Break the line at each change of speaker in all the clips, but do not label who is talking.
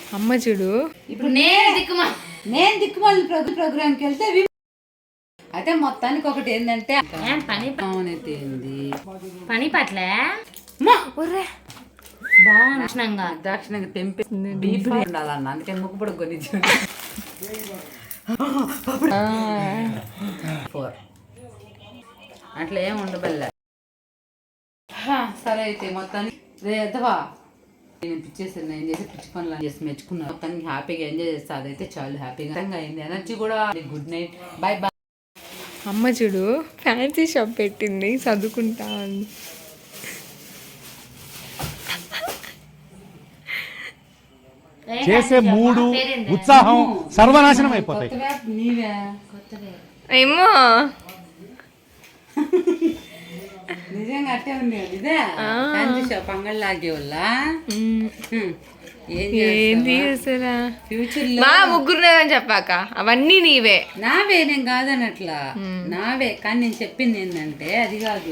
అమ్మ చూడు.
ఇప్పుడు నేను దిక్కుమాలి ప్రోగ్రామ్కి వెళ్తే అయితే మొత్తానికి ఒకటి ఏంటంటే
పని పట్ల
దాక్షిణంగా తెంపేసింది డీప్ ఉండాలన్న, అందుకే ముక్కుపొడి కొని అట్లా ఏం ఉండబల్లే. సరే అయితే మొత్తానికి రేదవా నేను పిచ్చేసాను, నేను చేసి పిచ్చి పనులు చేసి మెచ్చుకున్నాను. మొత్తానికి హ్యాపీగా ఎంజాయ్ చేస్తా, అదైతే చాలా హ్యాపీగా అయింది. ఎనర్జీ కూడా. Good night, bye bye.
అమ్మ చూడు ఫ్యాన్సీ షాప్ పెట్టింది, చదువుకుంటా అని.
చేసే మూడు ఉత్సాహం సర్వనాశనం అయిపోతాయి.
ఏమో
నిజంగా అట్టే ఉంది. ఇదే ఫ్యాన్సీ షాప్ అంగడి లాగే వాళ్ళ
ఏంది అసలు
ఫ్యూచర్
మా ముగ్గురు అని చెప్పాక అవన్నీ నీవే.
నావే, నేను కాదనట్లా, నావే. కానీ నేను చెప్పింది ఏంటంటే అది కాదు.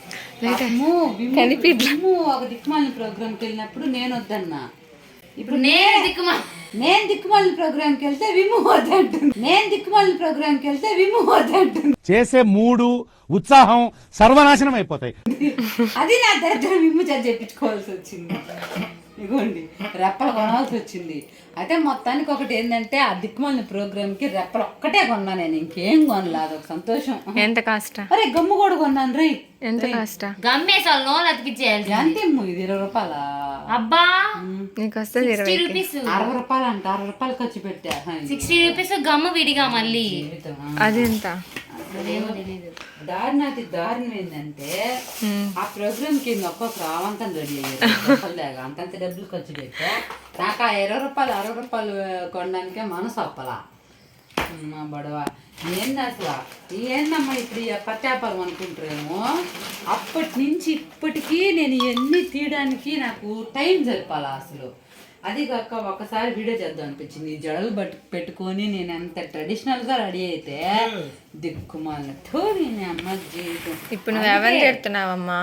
ఒక దిక్కుమాలిన ప్రోగ్రామ్కి వెళ్ళినప్పుడు నేను వద్దన్నా. ఇప్పుడు నేను దిక్కుమాలిన ప్రోగ్రామ్కి వెళ్తే విమ్ము వద్దంటుంది. నేను దిక్కుమాలిన ప్రోగ్రామ్కి వెళ్తే విమ్ము వద్దంటుంది.
చేసే మూడు ఉత్సాహం సర్వనాశనం అయిపోతాయి.
అది నా దరిద్రం. విమ్ము చెప్పించుకోవాల్సి వచ్చింది. ఇగోండి రెప్పలు కొనాల్సి వచ్చింది. అయితే మొత్తానికి ఒకటి ఏంటంటే ఆ దిక్కుమాలిన ప్రోగ్రామ్కి రెప్పలు ఒక్కటే కొన్నా, నేను ఇంకేం కొనలా. అదొక సంతోషం.
ఎంత కాస్ట్?
అరే గమ్ము కూడా కొన్నాను రీ.
ఎంత కాస్ట్?
గమ్మేసాలు నోలు అతికిచ్చేయాలి.
అంతేమో ఇది 20 రూపాయల.
అబ్బా
నీకు వస్తుంది
60 రూపీస్.
60 రూపాయలు అంట, 60 రూపాయలు ఖర్చు పెట్టా.
60 రూపీస్ గమ్ము విడిగా మళ్ళీ.
అది ఎంత?
దారుణం ఏంటంటే ఆ ప్రోగ్రామ్ కి ఒక్కొక్క రావంతం రెడీ అయ్యారు. అంతంత డబ్బులు ఖర్చు పెట్టా. నాకు ఆ 20 రూపాయలు 60 రూపాయలు కొనడానికే మనసు అప్పలా. బడవ ఏంది అసలు, ఏందమ్మా ఇప్పుడు పట్టాపాలం అనుకుంటారేమో. అప్పటి నుంచి ఇప్పటికీ నేను ఇవన్నీ తీయడానికి నాకు టైం సరిపాలా అసలు. అది కాక ఒకసారి వీడియో చేద్దాం అనిపించింది. జడలు పెట్టుకొని నేను ఎంత ట్రెడిషనల్ గా రెడీ అయితే దిక్కుమాలినట్టు నేను అమ్మ జీవితం.
ఇప్పుడు నువ్వు ఎవరిని తిడుతున్నావమ్మా?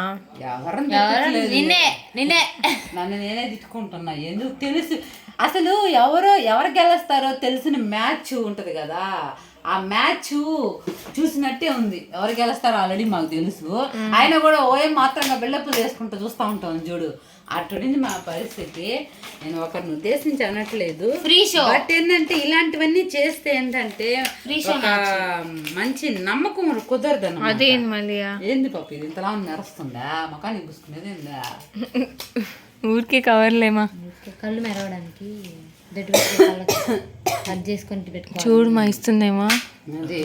నన్ను నేనే తిట్టుకుంటున్నా. ఎందుకు తెలుసు అసలు ఎవరు గెలుస్తారో తెలిసిన మ్యాచ్ ఉంటది కదా, ఆ మ్యాచ్ చూసినట్టే ఉంది. ఎవరు గెలుస్తారో ఆల్రెడీ మాకు తెలుసు. ఆయన కూడా ఓఎం మాత్రంగా బిల్డప్లు చేసుకుంటూ చూస్తూ ఉంటాం చూడు. అటుండి మా పరిస్థితి. నేను ఒకరిని ఉద్దేశించి అనట్లేదు, బట్ ఏంటంటే ఇలాంటివన్నీ చేస్తే ఏంటంటే మంచి నమ్మకం కుదరదు.
అదేంది మళ్ళీ?
ఏంది పాప ఇది ఇంతలా మెరుస్తుందా? ముఖానికి పూసుకునేది ఏందా?
ఊరికే కవర్లేమా,
కళ్ళు మెరవడానికి చేసుకొని పెట్టుకో.
చూడు మా ఇస్తుందేమో.
అది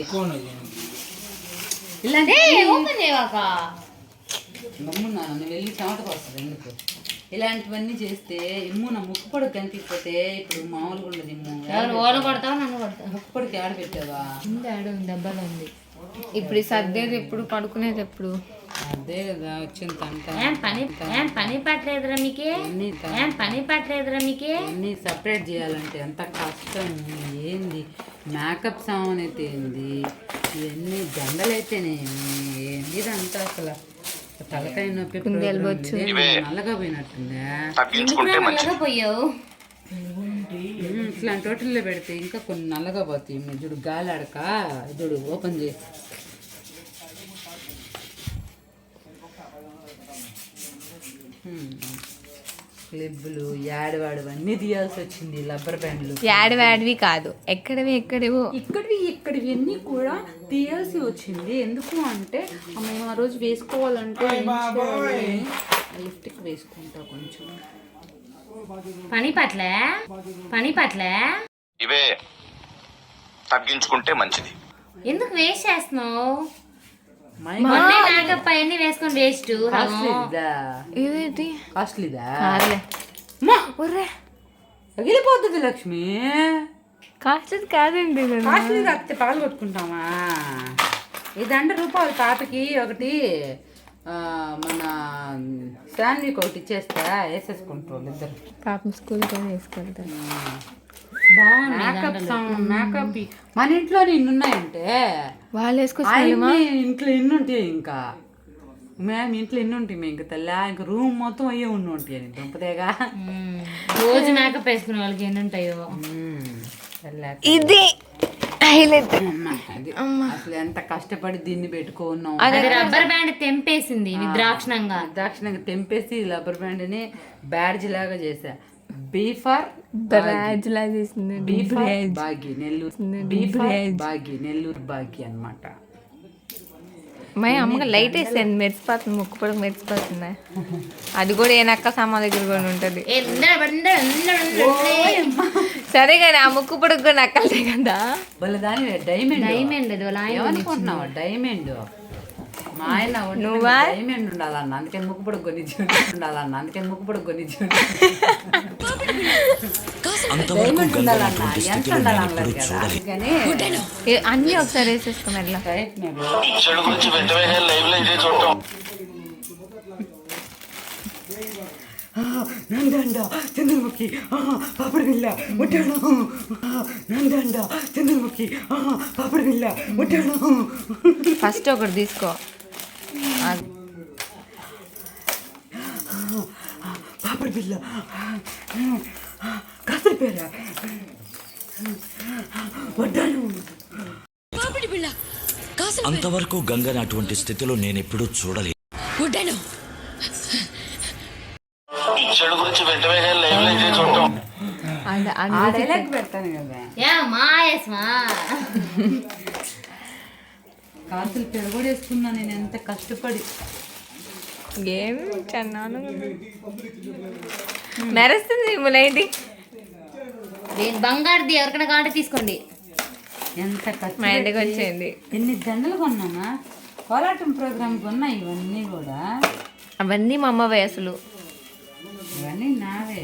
ఓపెన్ చేయవాక
నమ్మున్నాను వెళ్ళి చెమటకు వస్తుంది. ఎందుకు ఇలాంటివన్నీ చేస్తే ఇమ్ము నా ముక్కు పొడికి కనిపించకపోతే ఇప్పుడు మామూలుగా ఉండదు. ఇమ్ము
ఓలు కొడతావా నన్ను కొడతావా?
ముక్కు పొడికి ఆడ పెట్టావా?
దెబ్బలు ఉంది.
ఇప్పుడు సర్దేది ఎప్పుడు, పడుకునేది ఎప్పుడు?
అదే కదా వచ్చింది అంట.
పని పట్టలేదురా మీకే? పని పట్టలేదురా మీకే?
అన్నీ సపరేట్ చేయాలంటే ఎంత కష్టం. ఏంది మేకప్ సామాన్ అయితే ఏంది, ఇవన్నీ దండలు అయితేనేమి, ఏంది ఇదంతా అసలు తలకాయ నొప్పి. నల్లగా పోయినట్టుందా?
పోయావు
ఇట్లాంటి హోటల్లో పెడితే ఇంకా కొన్ని నల్లగా పోతాయి. చూడు గాలి ఆడక చూడు ఓపెన్ చేసి క్లిబ్బులు యాడవాడు అన్నీ తీయాల్సి వచ్చింది. రబ్బర్ బ్యాండ్లు
యాడవాడివి కాదు, ఎక్కడివో
ఇక్కడివి అన్నీ కూడా తీయాల్సి వచ్చింది. ఎందుకు అంటే మేము ఆ రోజు వేసుకోవాలంటే లిఫ్ట్కి వేసుకుంటా కొంచెం.
పని పట్ల
ఇవే తగ్గించుకుంటే మంచిది.
ఎందుకు వేస్ట్ చేస్తున్నావు? మేకప్ అవన్నీ వేసుకొని వేస్ట్.
కాస్ట్లీదా?
పగిలిపోతుంది
లక్ష్మి.
కాస్ట్లీ కాదండి.
కాస్ట్లీ కాకపోతే పగలు కొట్టుకుంటామా? ఇది 100 రూపాయలు తాతకి ఒకటి, మన శాండ్విక్ ఒకటి ఇచ్చేస్తా వేసేసుకుంటారు ఇద్దరు.
పాపం స్కూల్కి వేసుకుంటారు.
మేకప్ మన ఇంట్లో ఇన్ని ఉన్నాయంటే
వాళ్ళు వేసుకొచ్చి
ఇంట్లో ఇన్ని ఉంటాయి. ఇంకా మేము ఇంట్లో ఎన్ని ఉంటాయి మేము ఇంకా తల్లి ఇంక రూమ్ మొత్తం అయ్యే ఉండి ఉంటాయి అని దుంపదేగా.
రోజు మేకప్ వేసుకునే వాళ్ళకి ఎన్ని ఉంటాయో.
ఇది హైలైట్.
అది అసలు ఎంత కష్టపడి దీన్ని పెట్టుకున్నాం.
అది రబ్బర్ బ్యాండ్ తెంపేసింది విద్రాక్షణంగా
తెంపేసి రబ్బర్ బ్యాండ్ ని బ్యాడ్జ్ లాగా చేసా. బీ ఫర్
బ్రాజ్ లా చేసింది.
B for Bhagya Nellore, B for Bhagya Nellore Bhagya అన్నమాట.
మా అమ్మకి లైట్ వేసాను, మెరిసిపోతుంది, ముక్కు పొడకు మెరిసిపోతుంది. అది కూడా ఏ నక్క సామా దగ్గర కూడా ఉంటుంది. సరే కానీ ఆ ముక్కు పొడకు కూడా నక్కలే కదా.
వాళ్ళ దాని డైమండ్
డైమండ్ అది వాళ్ళ ఆయన
ఏమనుకుంటున్నావా? డైమండ్ మా ఆయన
నువ్వా?
డైమండ్ ఉండాలన్న, అందుకే ముక్కు పొడకు కొనిచ్చు ఉండాలన్న, అందుకే ముక్కు పొడకు కొనిచ్చు డైమండ్ ఉండాలన్న. ఎంత ఉండాలన్నారు కదా, అందుకని
అన్నీ ఒకసారి వేసేసుకుని అట్లా.
నందండ చంద్రముఖి పాపడి పిల్ల ముట్టాడు, నందండ చంద్రముఖి పాపడి పిల్ల ముట్టాడు.
ఫస్ట్ ఒకటి తీసుకో.
పాపడి పిల్ల కాసేపేరా వడ్డాను.
అంతవరకు గంగని అటువంటి స్థితిలో నేను ఎప్పుడూ చూడలేదు.
డైలాగ్ పెడతాను కదా, కాసులు పెరగొడేసుకున్నా నేను ఎంత కష్టపడి.
ఏం చన్నాను మెరుస్తుంది లైట్.
బంగారుది ఎవరికైనా కాంటే తీసుకోండి.
ఎంత కష్టం.
మా ఇంటికి వచ్చేయండి.
ఎన్ని దండలు కొన్నామా కోలాటం ప్రోగ్రామ్ కొన్నా. ఇవన్నీ కూడా
అవన్నీ మా అమ్మ వయసులు.
ఇవన్నీ నావే.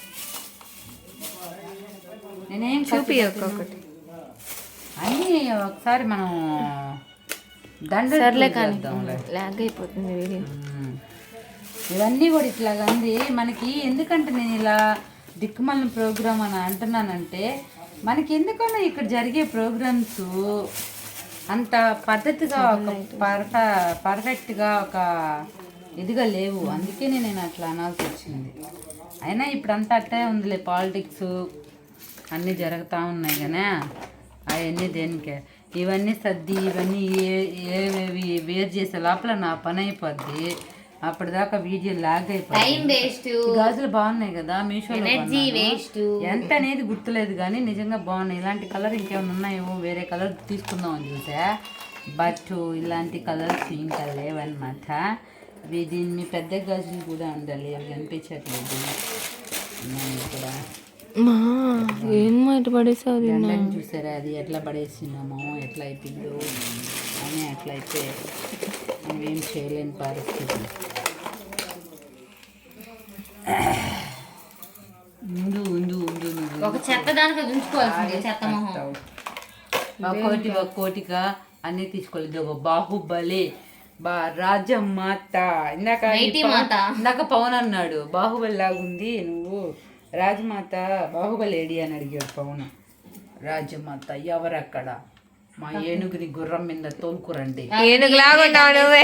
నేనేం
చూపి ఒక్కొక్కటి
అన్నీ ఒకసారి మనం దండలు
సర్లే కానీ
చేద్దాంలే.
లాగ్ అయిపోతుంది వీడియో.
ఇవన్నీ కూడా ఇట్లాగా అంది మనకి. ఎందుకంటే నేను ఇలా దిక్కుమల్లి ప్రోగ్రామ్ అని అంటున్నానంటే, మనకి ఎందుకన్నా ఇక్కడ జరిగే ప్రోగ్రామ్స్ అంత పద్ధతిగా ఒక పర్ఫెక్ట్గా ఒక ఇదిగా లేవు. అందుకే నేను అట్లా అనాల్సి వచ్చింది. అయినా ఇప్పుడు అంతా అట్టే ఉందిలే, పాలిటిక్స్ అన్నీ జరుగుతూ ఉన్నాయి కానీ అవన్నీ దేనికే. ఇవన్నీ సర్ది ఇవన్నీ ఏవేవి వేరు చేసే లోపల నా పని అయిపోద్ది. అప్పటిదాకా వీడియో లాగ్ అయిపోయింది. గాజులు బాగున్నాయి కదా మీషోలో, ఎంత అనేది గుర్తులేదు కానీ నిజంగా బాగున్నాయి. ఇలాంటి కలర్ ఇంకేమైనా ఉన్నాయేమో, వేరే కలర్ తీసుకుందాం అని చూసా. బట్ ఇలాంటి కలర్స్ ఇంకా లేవన్నమాట. దీని మీ పెద్ద గాజులు కూడా ఉండాలి, అవి కనిపించట్లేదు కూడా.
ఏం మాట పడేసావు
చూసారా, అది ఎట్లా పడేసినామో, ఎట్లా అయిపోయిందో అని. అట్లయితే నువ్వేం చేయలేని పరిస్థితి. ఉండు ఉండు ఉండు
ఒక చెత్త దానికి ఉంచుకోవాల్సింది, చెత్త మొహం.
ఒక్కోటిగా అన్నీ తీసుకోలేదు. ఒక బాహుబలి రాజమాత. ఇందాక పవన్ అన్నాడు బాహుబలి లాగుంది నువ్వు, రాజమాత బాహుబలి ఏడి అని అడిగాడు పవన్. రాజమాత ఎవరక్కడ, మా ఏనుగుని గుర్రం మీద తోలుకురండి.
ఏనుగు లాగున్నావు నువ్వే.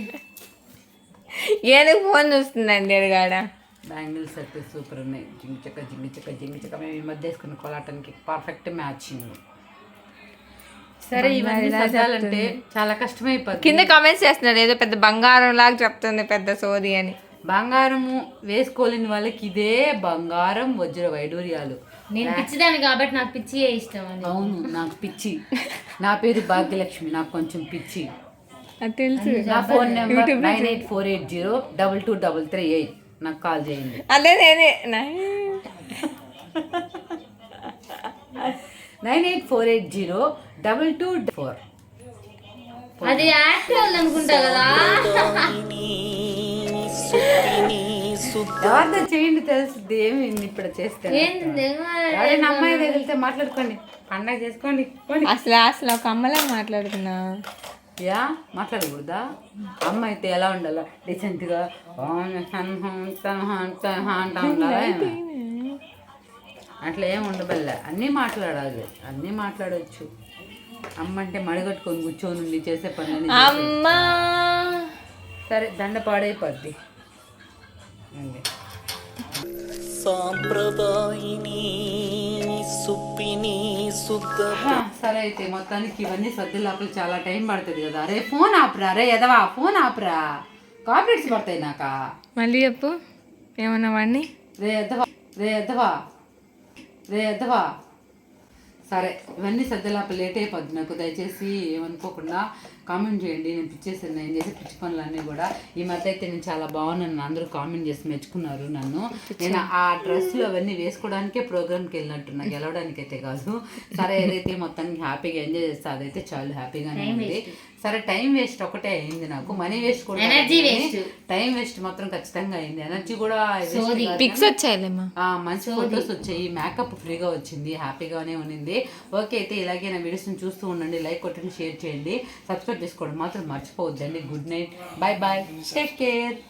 ఏనుగు ఫోన్ చూస్తుందండి ఎరగాడ.
బ్యాంగిల్స్ అయితే సూపర్ ఉన్నాయి. జింగిచక్క మేము ఈ మధ్య వేసుకున్న కోలాటానికి పర్ఫెక్ట్ మ్యాచింగ్. సరే ఇవన్నీ సర్దాలంటే చాలా కష్టమైపోతుంది.
కింద కామెంట్స్ చేస్తున్నారు ఏదో పెద్ద బంగారం లాగా చెప్తుంది పెద్ద సోది అని.
బంగారము వేసుకోలేని వాళ్ళకి ఇదే బంగారం వజ్ర వైడూర్యాలు.
నేను పిచ్చిదాన్ని కాబట్టి నాకు పిచ్చి ఇష్టం.
అవును, నాకు పిచ్చి. నా పేరు భాగ్యలక్ష్మి, నాకు కొంచెం పిచ్చి.
అది తెలుసు.
నా ఫోన్ నెంబర్ 9848022338. నాకు కాల్ చేయండి.
అదే నేనే
98480224.
అది యాక్టర్ అనుకుంటా కదా.
ఎవరితో చేయండి తెలుస్తుంది. ఏమి ఇప్పుడు చేస్తే అమ్మాయి తగిలితే మాట్లాడుకోండి, పండగ చేసుకోండి.
అసలు ఒక అమ్మలా మాట్లాడుతున్నా.
యా మాట్లాడకూడదా? అమ్మ అయితే ఎలా ఉండాలా, డీసెంట్గా అంటా ఉండాలా? అట్లా ఏమి ఉండబల్లే, అన్నీ మాట్లాడాలి, అన్నీ మాట్లాడవచ్చు. అమ్మ అంటే మడిగట్టుకొని కూర్చొని చేసే పనులని.
అమ్మా
సరే దండ పాడైపోద్ది అండి. సరే అయితే మొత్తానికి ఇవన్నీ సర్ది లోపల చాలా టైం పడుతుంది కదా. అరే ఫోన్ ఆపరా, రే ఎదవా ఫోన్ ఆపరా, కాపీరేట్స్ పడతాయి నాకా.
మళ్ళీ చెప్పు ఏమన్నా వాడిని.
రే ఎద్దవా, రే ఎద్దవా, రే ఎద్దవా. సరే ఇవన్నీ సర్దిలోపల లేట్ అయిపోద్ది నాకు. దయచేసి ఏమనుకోకుండా కామెంట్ చేయండి. నేను పిచ్చేసాను, నేను చేసే పిచ్చి పనులన్నీ కూడా. ఈ మధ్య అయితే నేను చాలా బాగున్నాను, అందరూ కామెంట్ చేసి మెచ్చుకున్నారు నన్ను. నేను ఆ డ్రెస్సులు అవన్నీ వేసుకోవడానికే ప్రోగ్రామ్కి వెళ్ళినట్టున్నా, గెలవడానికి అయితే కాదు. సరే ఏదైతే మొత్తానికి హ్యాపీగా ఎంజాయ్ చేస్తే అదైతే చాలా హ్యాపీగానే ఉంది. సరే టైం వేస్ట్ ఒకటే అయింది నాకు, మనీ వేస్ట్ కూడా, టైం వేస్ట్ మాత్రం ఖచ్చితంగా అయింది. ఎనర్జీ కూడా
పిక్స్ వచ్చాయిలేమ్మా,
మంచి ఫొటోస్ వచ్చాయి, మేకప్ ఫ్రీగా వచ్చింది, హ్యాపీగానే ఉన్నింది. ఓకే అయితే ఇలాగే నా వీడియోస్ని చూస్తూ ఉండండి, లైక్ కొట్టండి, షేర్ చేయండి, సబ్స్క్రైబ్ చేసుకోవడం మాత్రం మర్చిపోవద్దండి. Good night, bye bye, take care.